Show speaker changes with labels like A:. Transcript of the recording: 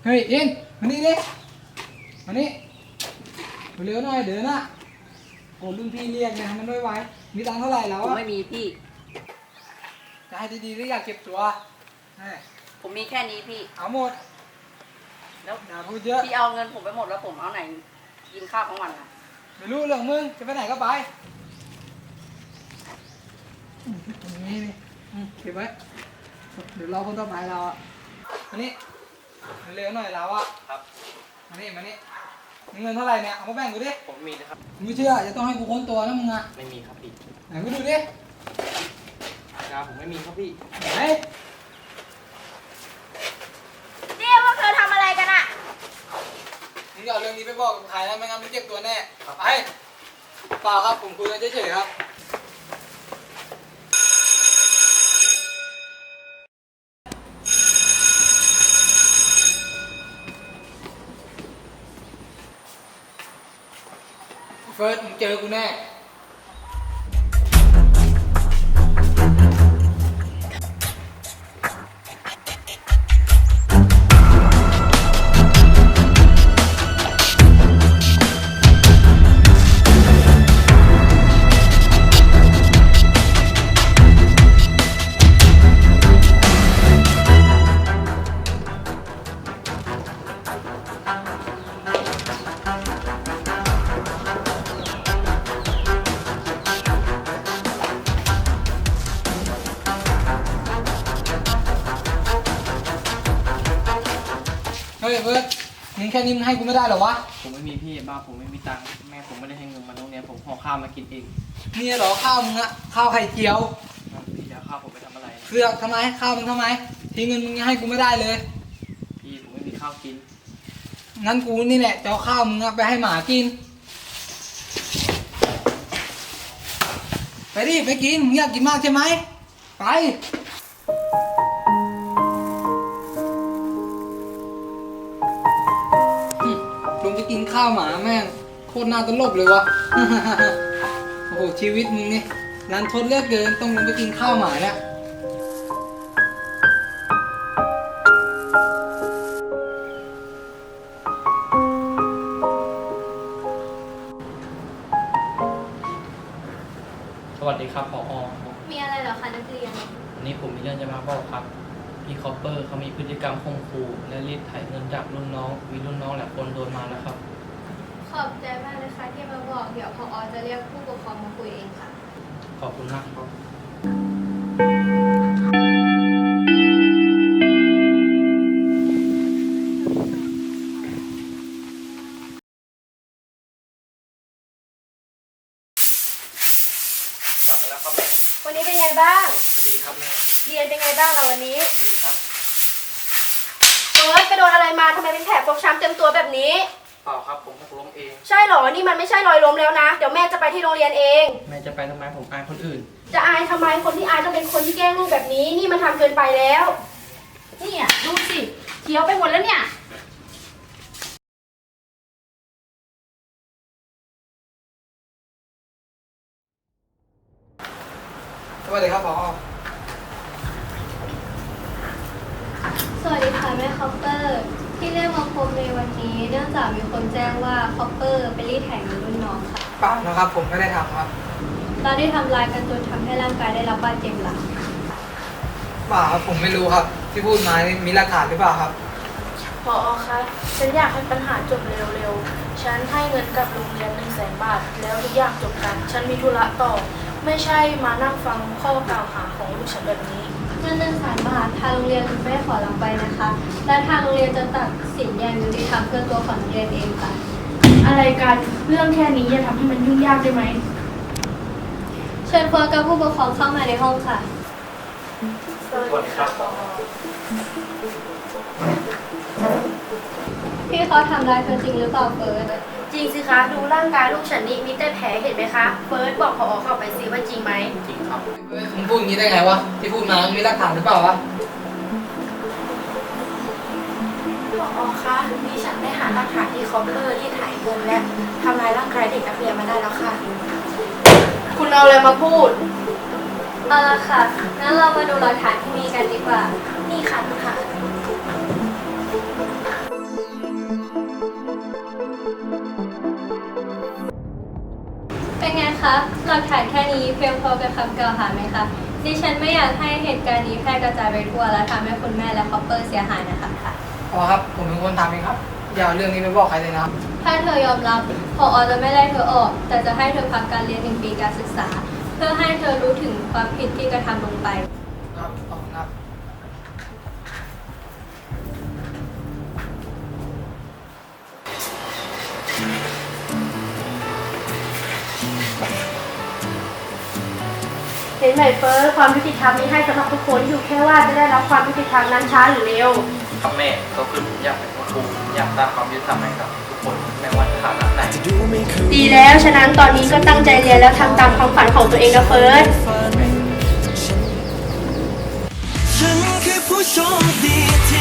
A: เฮ้ยอินมานี่ดิมานี่เร็วหน่อยเดี๋ยวนะโอ้รุ่นพี่เรียกนะมันไม่ไหวมีตังค์เท่าไหร่แล้ว
B: ผม
A: อะ
B: ไม่มีพี่
A: จะให้ดีๆหรืออยากเก็บตัวให้
B: ผมมีแค่นี้พี่
A: เอาหมด
B: แล้ว
A: อย่าพูดเยอะ
B: พี่เอาเงินผมไปหมดแล้วผมเอาไหนกินข้าวของวันอ่ะ
A: ไม่รู้เรื่องมึงจะไปไหนก็ไปนี่นี่เก็บไว้เดี๋ยวรอคนต่อไปเราอ่ะมานี่เร็วหน่อยเราอ่ะ
C: ครับ
A: มานี่มีเงินเท่าไหร่เนี่ยเอามาแบ่งกูดิ
C: ผมมีนะครับ
A: ไม่เชื่อจะต้องให้กูค้นตัวนะมึงอ่ะ
C: ไม่มีครับพี่
A: ไหนกูดูดิ
C: ผมไม่มีครับพี่
A: ไหน
D: นี่พวกเธอทำอะไรกันอะ
A: มึงอย่าเอาเรื่องนี้ไปบอกกับใครนะไม่งั้นมึงเจ็บตัวแน่ไปเปล่าครับผมคุยกันเฉยๆครับเฟิร์สมึงเจอกูแน่ เฮ้ยเฟิร์สมึงแค่นี้มึงให้กูไม่ได้เหรอวะ
C: ผมไม่มีพี่บ้านผมไม่มีตังค์แม่ผมไม่ได้ให้เงินมาโรงเรียนผมห่อข้าวมากินเอง
A: นี่เหรอข้าวมึงอะข้าวไข่เจียว
C: พี่จะเอาข้าวผมไปทำอะไร
A: เสือกทำไมข้าวมึงทำไมทีเงินมึงยังให้กูไม่ได้เลย
C: พี่ผมไม่มีข้าวกิน
A: งั้นกูนี่แหละจะเอาข้าวมึงอะไปให้หมากิน ไปดิไปกินมึงอยากกินมากใช่ไหมไปลงไปกินข้าวหมาแม่งโคตรน่าตลกเลยวะ โอ้โหชีวิตมึงนี่รันทดเหลือกเกินต้องลงไปกินข้าวหมาเนี่ย
C: สวัสดีครับผอ
D: มีอะไรเหรอคะนักเรียน
C: วันนี้ผมมีเรื่องจะมาบอกครับพี่คอปเปอร์เขามีพฤติกรรมข่มขู่และรีดไถเงินจากรุ่นน้องมีรุ่นน้องหลายคนโดนมาแล้วครับ
D: ขอบใจมากเลยค่ะที่มาบอก เดี๋ยวพอจะเรียกผู้ปกครองมาคุยเองค่ะ
C: ขอบคุณมากครับ กลับมาแล้วครับแม่
D: วันนี้เป็นไงบ้าง
C: สวัสดีครับแม่
D: เรียนเป็นไงบ้างเราวันนี้
C: ดีครับ
D: กระโดนอะไรมาทำไมเป็นแผลฟกช้ำเต็มตัวแบบนี้
C: เปล่าครับผมหกล้มเอง
D: ใช่เหรอ นี่มันไม่ใช่รอยล้มแล้วนะ เดี๋ยวแม่จะไปที่โรงเรียนเอง
C: แม่จะไปทำไมผมอายคนอื่น
D: จะอายทำไม คนที่อายต้องเป็นคนที่แกล้งลูกแบบนี้ นี่มันทำเกินไปแล้ว เนี่ยดูสิเขียวไปหมดแล้วเนี่ย
A: สวัสดีครับผอ
E: สวัสดีค่ะแม่คอปเปอร์ที่เรียกมาพบในวันนี้เนื่องจากมีคนแจ้งว่าคอปเปอร์ไปรีดไถเงินรุ่นน้องค่ะ
A: เปล่านะครับผมไม่ได้ทำครับ
E: เราได้ทำร้ายกันจนทำให้ร่างกายได้รับบาดเจ็บหลัง
A: เปล่าครับผมไม่รู้ครับ ที่พูดมานี่มีหลักฐานหรือเปล่าครับ
F: ผอคะฉันอยากให้ปัญหาจบเร็วๆ ฉันให้เงินกับโรงเรียน100,000 บาท แล้วทุกอย่างจบกัน ฉันมีธุระต่อ ไม่ใช่มานั่งฟังข้อกล่าวหาของลูกฉันแบบนี้
E: เงิน100,000 บาททางโรงเรียนไม่ได้ขอรับไปนะคะ และทางโรงเรียนจะตัดสินอย่างยุติธรรมเพื่อตัวของนักเรียนเองค่ะ
F: อะไรกัน เรื่องแค่นี้อย่าทำให้มันยุ่งยากได้ไหม
E: เชิญพวกกับผู้ปกครองเข้ามาในห้องค่ะ
C: สวัสดีครับผอ
E: พี่เขาทำร้ายเธอจริงหรือเปล่าเฟิร์ส
D: จริงสิคะ ดูร่างกายลูกฉันนี่มีแต่แผลเห็นไหมคะ เฟิร์สบอกพอเข้าไปสิว่าจริงไหม
C: จริงครับ
A: เฮ้ยมึงพูดอย่างนี้ได้ไงวะ ที่พูดมามีหลักฐานหรือเปล่าวะ
F: ผอคะนี่ฉันได้หาหลักฐานที่คอปเปอร์ที่ถ่ายเงินและทำลายร่างกายเด็กนักเรียนมาได้แล้วค่ะ
D: คุณเอาอะไรมาพูด
E: เอาละค่ะ งั้นเรามาดูหลักฐานที่มีกันดีกว่า
F: นี่ค่ะคุณค่ะ
E: คะ หลักฐานแค่นี้เพียงพอกับคำกล่าวหาไหมคะ ดิฉันไม่อยากให้เหตุการณ์นี้แพร่กระจายไปทั่วและทำให้คุณแม่และคอปเปอร์เสียหายนะคะ
A: อ๋อครับ ผมเป็นคนทำเองครับ อย่าเอาเรื่องนี้ไปบอกใครเลยนะครับ
E: ถ้าเธอยอมรับผอจะไม่ไล่เธอออก แต่จะให้เธอพักการเรียน1 ปีการศึกษา เพื่อให้เธอรู้ถึงความผิดที่กระทำลงไป
A: ครับขอบคุณครับ
D: เห็นไหมเฟิร์สความยุติธรรมมีให้สำหรับทุกคนอยู่แค่ว่าจะได้รับความยุติธรรมนั้นช้าหรือเร็ว
C: ครับแม่ก็คือผมอยากเป็นครูอยากสร้างความยุติธรรมให้กับทุกคนไม่ว่าฐานะไหน
D: ดีแล้วฉะนั้นตอนนี้ก็ตั้งใจเรียนแล้วทำตามความฝันของตัวเองนะเฟิร์ส
G: ฉันคือผู้โชคดีที่